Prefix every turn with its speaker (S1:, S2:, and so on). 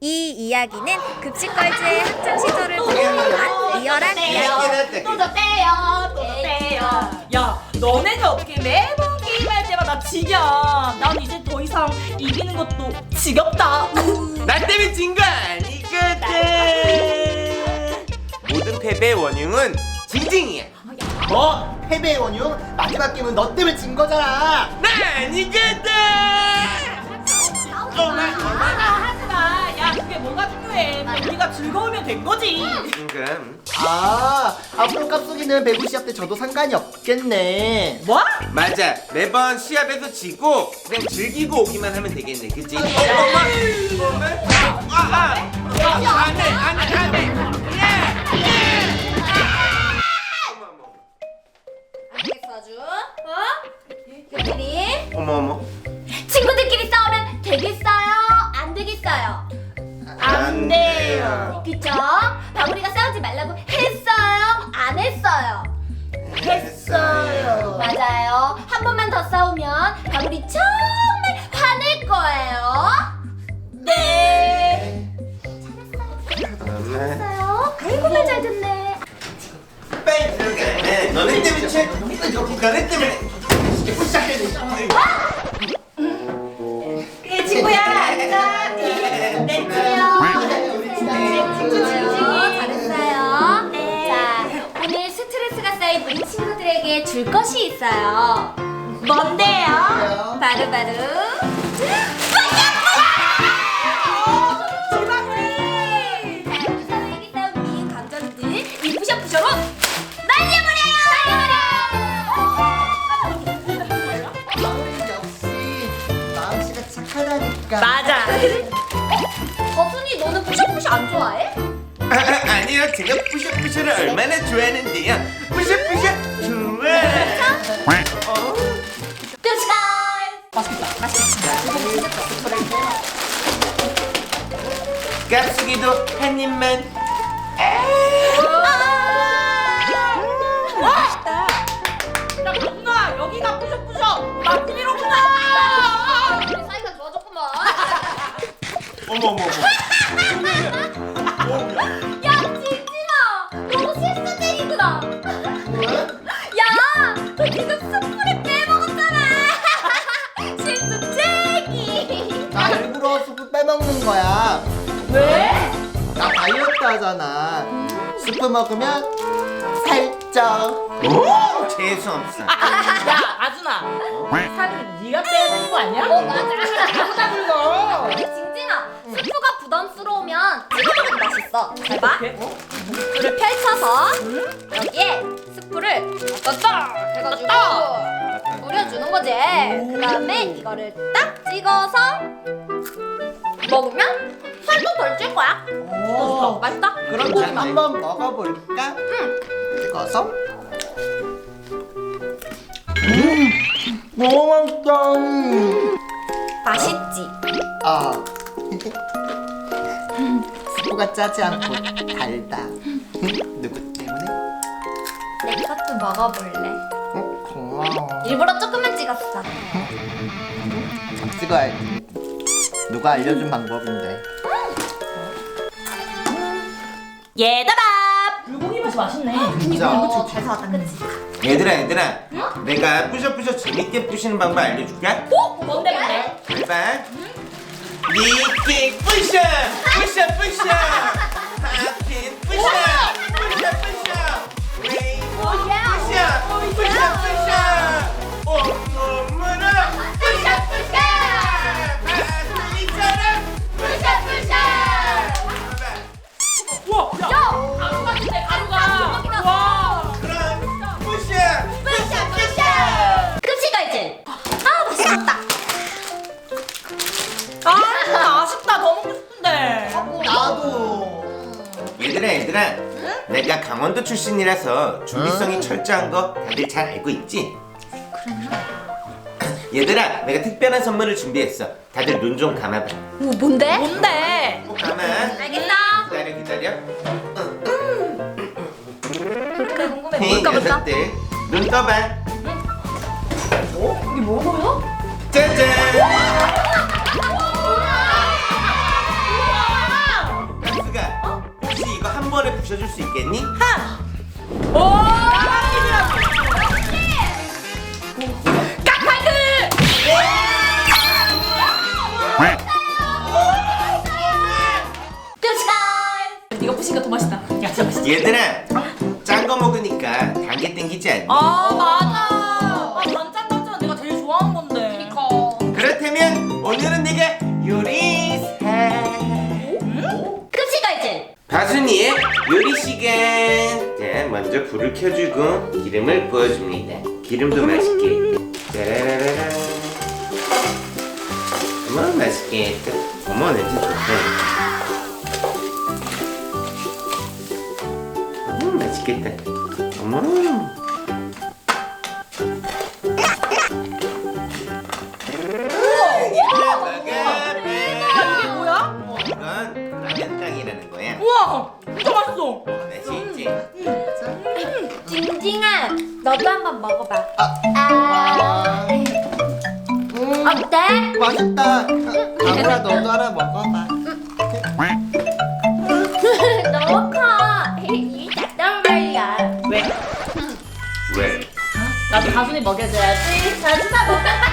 S1: 이 이야기는 급식걸즈의 학창 시절을 보여주는 리얼한 이야기.
S2: 또 줬대요.
S3: 야, 너네가 어떻게 매번 게임할 때마다 지냐? 난 이제 더 이상 이기는 것도 지겹다.
S4: 나 때문에 진 거 아니거든. 모든 패배의 원흉은 징징이야.
S5: 뭐? 패배의 원흉? 마지막 게임은 너 때문에 진 거잖아.
S4: 나 아니거든.
S3: 하지 마. 야, 그게 뭐가 중요해? 우리가 즐거우면 된 거지.
S5: 앞으로 깝속이는 배구 시합 때 저도 상관이 없겠네.
S3: 뭐?
S4: 맞아. 매번 시합에서 지고 그냥 즐기고 오기만 하면 되겠네. 그치?
S1: 알겠어 아주. 여기니
S4: 어머.
S2: 친구들끼리 싸우면 되겠어요? 안 되겠어요?
S4: 안 돼요.
S2: 그쵸? 방울이가 싸우지 말라고 했어요? 안 했어요?
S4: 했어요.
S2: 맞아요. 한 번만 더 싸우면 방울이 정말 화낼 거예요. 네. 잘했어요. 아이고 말 잘 듣네.
S4: 빨리 들어가. 너네 때문에 너네 때문에.
S3: 친구야, 앉아. 내 친구야.
S2: 잘했어요. 자, 오늘 스트레스가 쌓인 우리 친구들에게 줄 것이 있어요.
S3: 뭔데요?
S2: 바로 자, 우리 사회에게 쌓인 미인 감정들 이 부셔부셔로 날려버려요.
S5: 역시 마음씨가 착하다니까.
S3: 맞아.
S2: 거순이 너는 부셔부셔 안 좋아해?
S4: 아니요. 제가 뿌셔뿌셔를 얼마나 좋아하는데요. 뿌셔뿌셔 좋아.
S2: 뾰시다.
S4: 깝수기도 한 입만.
S3: 야, 누나, 여기가 뿌셔뿌셔. 맛집이로구나.
S2: 우리 사이가 좋아졌구만.
S4: 어머.
S2: 야, 징징아, 너무 실수쟁이구나. 야, 너 지금 스프를 빼먹었잖아. 실수쟁이.
S5: 나 일부러 스프 빼먹는 거야.
S2: 왜?
S5: 나 다이어트 하잖아. 스프 먹으면 살쪄.
S4: 오, 재수 없어.
S3: 야, 아준아. 살을 네가 빼야 되는 거 아니야?
S2: 맞아.
S3: 불러.
S2: 징징아, 스프가 부담스러우면 찍어먹어도 맛있어. 잘 봐.
S3: 어떻게?
S2: 스프를 펼쳐서 여기에 스프를 딱 해가지고 뿌려주는 거지. 그 다음에 이거를 딱 찍어서 먹으면 살도 덜 찔 거야.
S3: 오.
S2: 맛있다?
S5: 그럼 난 한번 먹어볼까? 찍어서. 너무 맛있다.
S2: 맛있지?
S5: 아. 스프가 짜지 않고 달다. 누구 때문에?
S2: 내 것도 먹어볼래.
S5: 고마워.
S2: 일부러 조금만 찍었어.
S5: 잘 찍어야지. 누가 알려준 방법인데.
S3: 얘들아. 불고기 맛이 맛있네.
S5: 진짜.
S2: 잘 사왔다, 그치?
S4: 얘들아. 내가 뿌셔뿌셔 재밌게 뿌시는 방법 알려줄까?
S3: 뭔데?
S4: 잘 봐. 리킥 뿌셔. 하핀 뿌셔. 레이모 뿌셔. 온몸으로 뿌셔. 아슬리처럼 뿌셔.
S3: 우와, 야, 가루 같은데, 가루가. 와.
S4: 그럼 뿌셔.
S2: 급식걸즈. 아, 맛있겠다.
S3: 아, 아쉽다. 더 먹고 싶은데.
S5: 나도.
S4: 얘들아. 내가 강원도 출신이라서 준비성이 철저한 거 다들 잘 알고 있지? 얘들아, 내가 특별한 선물을 준비했어. 다들 눈 좀 감아봐.
S2: 오, 뭔데?
S3: 뭔데?
S4: 꼭 감아.
S2: 알겠어.
S4: 기다려.
S2: 그렇게 궁금해.
S4: 이
S2: 뭘까?
S4: 녀석들 눈 떠봐.
S2: 이게 뭐야?
S4: 짜잔.
S2: 우와!
S4: 부셔줄 수 있겠니?
S3: 오! 깍파이트!
S2: 끝!
S3: 네가 부신 거 더 맛있다. 야, 진짜 맛있다.
S4: 얘들아, 짠 거 먹으니까 단 게 땡기지 않니?
S3: 아, 맞아. 반찬 같잖아. 내가 제일 좋아하는 건데.
S4: 그렇다면 오늘은 내가 요리사
S2: 급식까지.
S4: 바순이의 요리 시간. 자, 먼저 불을 켜주고 기름을 부어줍니다. 기름도 맛있게. 짜라라라. 어머, 맛있겠다. 어머, 냄새 좋다. 맛있겠다. 어머. 얘들아, 먹어.
S3: 이게 뭐야?
S4: 이건 라면땅이라는 거야.
S3: 우와! 진짜 맛있어.
S4: 맛있지?
S2: 징징아, 너도 한번 먹어봐.
S5: 와.
S2: 어때?
S5: 맛있다. 아무라 너도 하나 먹어봐.
S2: 너무 커. 이 작단 말이야.
S3: 왜?
S4: 왜?
S3: 나도 가순이 먹여줘야지.
S2: 자주사 먹어.